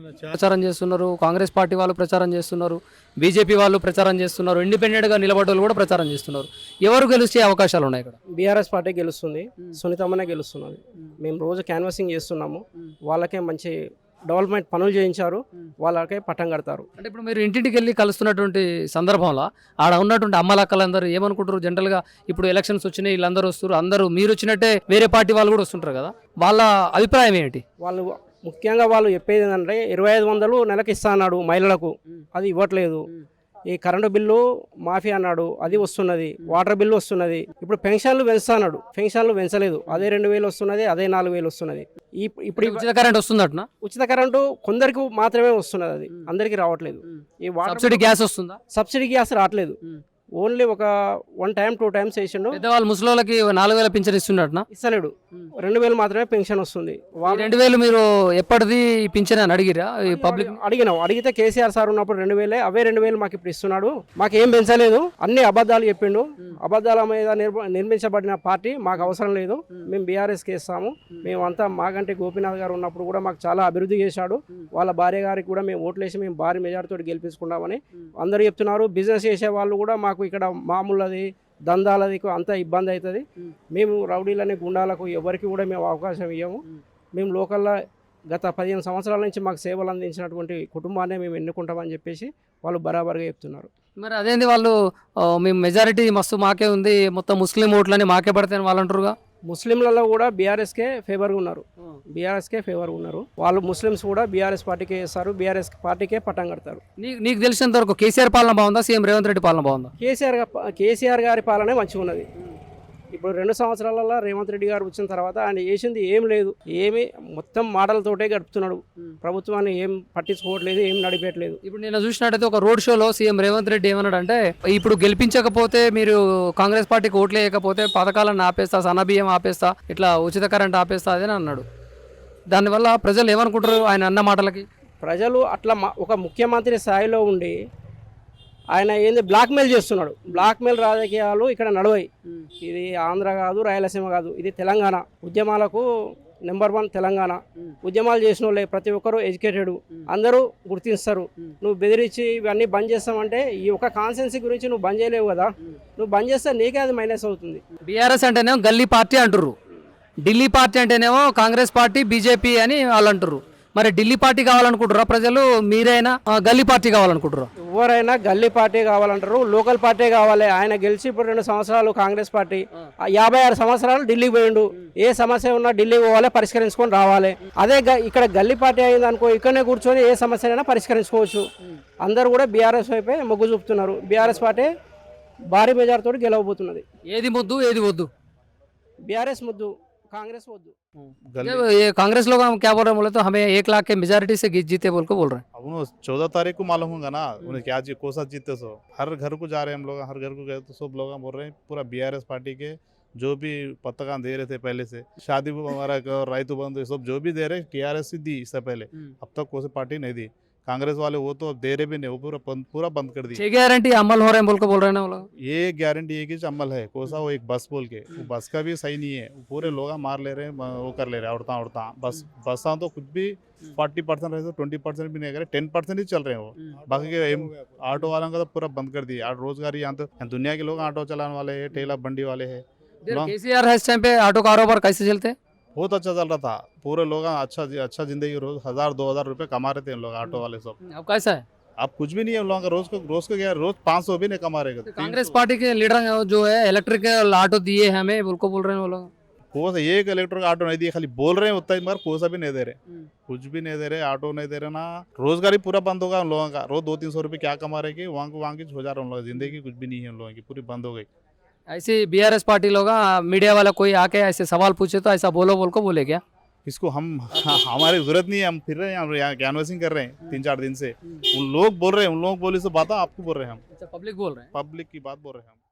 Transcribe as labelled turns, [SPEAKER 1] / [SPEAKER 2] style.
[SPEAKER 1] ప్రచారం చేస్తున్నారు, కాంగ్రెస్ పార్టీ వాళ్ళు ప్రచారం చేస్తున్నారు, బీజేపీ వాళ్ళు ప్రచారం చేస్తున్నారు, ఇండిపెండెంట్గా నిలబడ్డ కూడా ప్రచారం చేస్తున్నారు. ఎవరు గెలిచే అవకాశాలు ఉన్నాయి ఇక్కడ?
[SPEAKER 2] బీఆర్ఎస్ పార్టీ గెలుస్తుంది, సునీతమ్మనే గెలుస్తున్నది. మేము రోజు క్యాన్వాసింగ్ చేస్తున్నాము, వాళ్ళకే మంచి డెవలప్మెంట్ పనులు చేయించారు, వాళ్ళకే పట్టం కడతారు.
[SPEAKER 1] అంటే ఇప్పుడు మీరు ఇంటింటికి వెళ్ళి కలుస్తున్నటువంటి సందర్భంలో ఆడ ఉన్నటువంటి అమ్మలక్కలందరూ ఏమనుకుంటారు? జనరల్గా ఇప్పుడు ఎలక్షన్స్ వచ్చినాయి, వీళ్ళందరూ వస్తారు, అందరూ మీరు వచ్చినట్టే వేరే పార్టీ వాళ్ళు కూడా వస్తుంటారు కదా, వాళ్ళ అభిప్రాయం ఏంటి?
[SPEAKER 2] వాళ్ళు ముఖ్యంగా వాళ్ళు చెప్పేది ఏంటంటే 2500 నెలకి ఇస్తా అన్నాడు మహిళలకు, అది ఇవ్వట్లేదు. ఈ కరెంటు బిల్లు మాఫీ అన్నాడు, అది వస్తున్నది. వాటర్ బిల్లు వస్తున్నది. ఇప్పుడు పెన్షన్లు పెంచుతా అన్నాడు, పెన్షన్లు పెంచలేదు. అదే 2000 వస్తున్నది, అదే 4000 వస్తున్నది. ఇప్పుడు
[SPEAKER 1] ఉచిత కరెంట్ వస్తుందట?
[SPEAKER 2] ఉచిత కరెంటు కొందరికి మాత్రమే వస్తున్నది, అది అందరికి రావట్లేదు. ఈ వాటర్
[SPEAKER 1] సబ్సిడీ గ్యాస్ వస్తుందా?
[SPEAKER 2] సబ్సిడీ గ్యాస్ రావట్లేదు. ఓన్లీ ఒక 1 టైం 2 టైమ్స్ వేసిండు.
[SPEAKER 1] పెద్దవాళ్ళు ముసలోళ్ళకి 4000 పింఛన్ ఇస్తున్నట్టునా?
[SPEAKER 2] ఇస్తలేడు, 2000 మాత్రమే పెన్షన్ వస్తుంది.
[SPEAKER 1] 2000 మీరు ఎప్పటిది పింఛన్ అని అడిగిరా ఈ పబ్లిక్?
[SPEAKER 2] అడిగినాం, అడిగితే కేసీఆర్ సార్ ఉన్నప్పుడు 2000, అవే 2000 మాకు ఇప్పుడు ఇస్తున్నాడు, మాకేం పెంచలేదు, అన్ని అబద్ధాలు చెప్పిండు. అబద్ధాల మీద నిర్మించబడిన పార్టీ మాకు అవసరం లేదు, మేము బీఆర్ఎస్కి ఇస్తాము. మేమంతా మాగంటి గోపీనాథ్ గారు ఉన్నప్పుడు కూడా మాకు చాలా అభివృద్ధి చేశాడు, వాళ్ళ భార్య గారికి కూడా మేము ఓట్లేసి మేము భారీ మెజార్టీతో గెలిపించుకుంటామని అందరూ చెప్తున్నారు. బిజినెస్ చేసే వాళ్ళు కూడా మాకు ఇక్కడ మామూలది దందాలది అంత ఇబ్బంది అవుతుంది, మేము రౌడీలని గుండాలకు ఎవరికి కూడా మేము అవకాశం ఇవ్వము, మేము లోకల్లో గత 15 సంవత్సరాల నుంచి మాకు సేవలు అందించినటువంటి కుటుంబాన్ని మేము ఎన్నుకుంటామని చెప్పేసి వాళ్ళు బరాబర్గా చెప్తున్నారు.
[SPEAKER 1] మరి అదేంది వాళ్ళు మేము మెజారిటీ మస్తు మాకే ఉంది, మొత్తం ముస్లిం ఓట్లని మాకే పడతాయని వాళ్ళు అంటారుగా?
[SPEAKER 2] ముస్లింలలో కూడా బీఆర్ఎస్కే ఫేవర్గా ఉన్నారు, బీఆర్ఎస్కే ఫేవర్గా ఉన్నారు. వాళ్ళు ముస్లిమ్స్ కూడా బీఆర్ఎస్ పార్టీకే వేస్తారు, బీఆర్ఎస్ పార్టీకే పట్టం కడతారు.
[SPEAKER 1] నీకు తెలిసినంత వరకు కేసీఆర్ పాలన బాగుందా, సీఎం రేవంత్ రెడ్డి పాలన బాగుందా?
[SPEAKER 2] కేసీఆర్ గారి పాలనే మంచిగా ఉన్నది. ఇప్పుడు 2 సంవత్సరాలలో రేవంత్ రెడ్డి గారు వచ్చిన తర్వాత ఆయన చేసింది ఏం లేదు, ఏమి మొత్తం మాటలతోటే గడుపుతున్నాడు, ప్రభుత్వాన్ని ఏం పట్టించుకోవట్లేదు, ఏం నడిపేయట్లేదు.
[SPEAKER 1] ఇప్పుడు నేను చూసినట్టయితే ఒక రోడ్ షోలో సీఎం రేవంత్ రెడ్డి ఏమన్నాడు అంటే, ఇప్పుడు గెలిపించకపోతే మీరు కాంగ్రెస్ పార్టీకి ఓట్లు వేయకపోతే పథకాలను ఆపేస్తా, సన్నబియ్యం ఆపేస్తా, ఇట్లా ఉచిత కరెంట్ ఆపేస్తా అని అన్నాడు. దానివల్ల ప్రజలు ఏమనుకుంటారు ఆయన అన్న మాటలకి?
[SPEAKER 2] ప్రజలు అట్లా ఒక ముఖ్యమంత్రి స్థాయిలో ఉండి ఆయన ఏంది బ్లాక్మెయిల్ చేస్తున్నాడు. బ్లాక్మెయిల్ రాజకీయాలు ఇక్కడ నడవాయి. ఇది ఆంధ్ర కాదు, రాయలసీమ కాదు, ఇది తెలంగాణ. ఉద్యమాలకు నెంబర్ 1 తెలంగాణ. ఉద్యమాలు చేసిన వాళ్ళే ప్రతి ఒక్కరు ఎడ్యుకేటెడ్, అందరూ గుర్తిస్తారు. నువ్వు బెదిరించి ఇవన్నీ బంద్ చేస్తామంటే ఈ ఒక కాన్సెన్సీ గురించి నువ్వు బంద్ చేయలేవు కదా, నువ్వు బంద్ చేస్తే నీకే అది మైనస్ అవుతుంది.
[SPEAKER 1] బీఆర్ఎస్ అంటేనేమో గల్లీ పార్టీ అంటారు, ఢిల్లీ పార్టీ అంటేనేమో కాంగ్రెస్ పార్టీ, బీజేపీ అని వాళ్ళు అంటారు. మరి ఢిల్లీ పార్టీ కావాలనుకుంటారా ప్రజలు, మీరైనా గల్లీ పార్టీ కావాలనుకుంటారా?
[SPEAKER 2] ఎవరైనా గల్లీ పార్టీ కావాలంటారు, లోకల్ పార్టీ కావాలి. ఆయన గెలిచి ఇప్పుడు 2 సంవత్సరాలు కాంగ్రెస్ పార్టీ, 56 సంవత్సరాలు ఢిల్లీకి పోయిండు. ఏ సమస్య ఉన్నా ఢిల్లీకి పోవాలి, పరిష్కరించుకొని రావాలి. అదే ఇక్కడ గల్లీ పార్టీ అయింది అనుకో, ఇక్కడనే కూర్చొని ఏ సమస్యనైనా పరిష్కరించుకోవచ్చు. అందరూ కూడా బీఆర్ఎస్ వైపే మొగ్గు చూపుతున్నారు. బీఆర్ఎస్ పార్టీ భారీ మెజార్టీతో గెలవబోతున్నది.
[SPEAKER 1] ఏది ముద్దు ఏది వద్దు?
[SPEAKER 2] బీఆర్ఎస్ ముద్దు, कांग्रेस वो
[SPEAKER 1] ये कांग्रेस लोग हम क्या बोल रहे हैं बोले तो हमें 1 लाख के मेजॉरिटी से जीते बोल को बोल रहे हैं।
[SPEAKER 3] अब 14 तारीख को मालूम होगा ना उन्हें क्या कौन सा जीते। सो हर घर को जा रहे हैं हम लोग, हर घर को गए तो सब लोग बोल रहे हैं पूरा बीआरएस पार्टी के जो भी पत्रकार दे रहे थे पहले से, शादी हमारा राइतु बंद सब जो भी दे रहे टीआरएस ही दी इससे पहले, अब तक कोई पार्टी नहीं दी। कांग्रेस वाले वो तो दे रहे भी नहीं, वो पूरा बंद कर दी।
[SPEAKER 1] 6 गारंटी अमल हो रहे हैं बोल को बोल रहे हैं ना वो लोग।
[SPEAKER 3] ये गारंटी एक ही अमल है, कोसा वो एक बस बोल के, वो बस का भी सही नहीं है, पूरे लोग मार ले रहे हैं, वो कर ले रहे हैं उड़ता बस तो कुछ भी 40% रहे तो 20% भी नहीं करे, 10% ही चल रहे हैं वो। बाकी के ऑटो वालों का तो पूरा बंद कर दिया। रोजगार यहाँ तो दुनिया के लोग ऑटो चलाने वाले है, ठेला बंडी वाले है।
[SPEAKER 1] केसीआर है इस टाइम पे ऑटो कारोबार कैसे चलते हैं?
[SPEAKER 3] बहुत अच्छा चल रहा था, पूरे लोग अच्छा जिंदगी, रोज 1000-2000 रुपए कमा रहे थे इन लोग ऑटो वाले सब।
[SPEAKER 1] अब कैसा है?
[SPEAKER 3] अब कुछ भी नहीं है उन लोगों का, रोज को क्या रोज 500 भी नहीं कमा रहे।
[SPEAKER 1] कांग्रेस पार्टी के लीडर जो है इलेक्ट्रिकल ऑटो दिए हमें बोल को बोल रहे हैं वो लोग।
[SPEAKER 3] कोई एक इलेक्ट्रिक ऑटो नहीं दिए, खाली बोल रहे हैं उतना ही, मगर कोई सा भी नहीं दे रहे, कुछ भी नहीं दे रहे, ऑटो नहीं दे रहे ना। रोजगार ही पूरा बंद होगा उन लोगों का, रोज 200-300 रुपये क्या कमा रहे कि वहाँ की हो जा रहा है उन लोग, जिंदगी कुछ भी नहीं है उन लोगों की, पूरी बंद हो गई।
[SPEAKER 1] ऐसे बीआरएस पार्टी लोग मीडिया वाला कोई आके ऐसे सवाल पूछे तो ऐसा बोलो बोल को बोले क्या?
[SPEAKER 3] इसको हमारी जरूरत नहीं है, हम फिर रहे हैं, हम यहाँ कैनवसिंग कर रहे हैं 3-4 दिन से। उन लोग बोल रहे हैं, उन लोग बोले से बात आपको बोल रहे हैं हम।
[SPEAKER 1] अच्छा, पब्लिक बोल रहे हैं,
[SPEAKER 3] पब्लिक की बात बोल रहे हैं हम।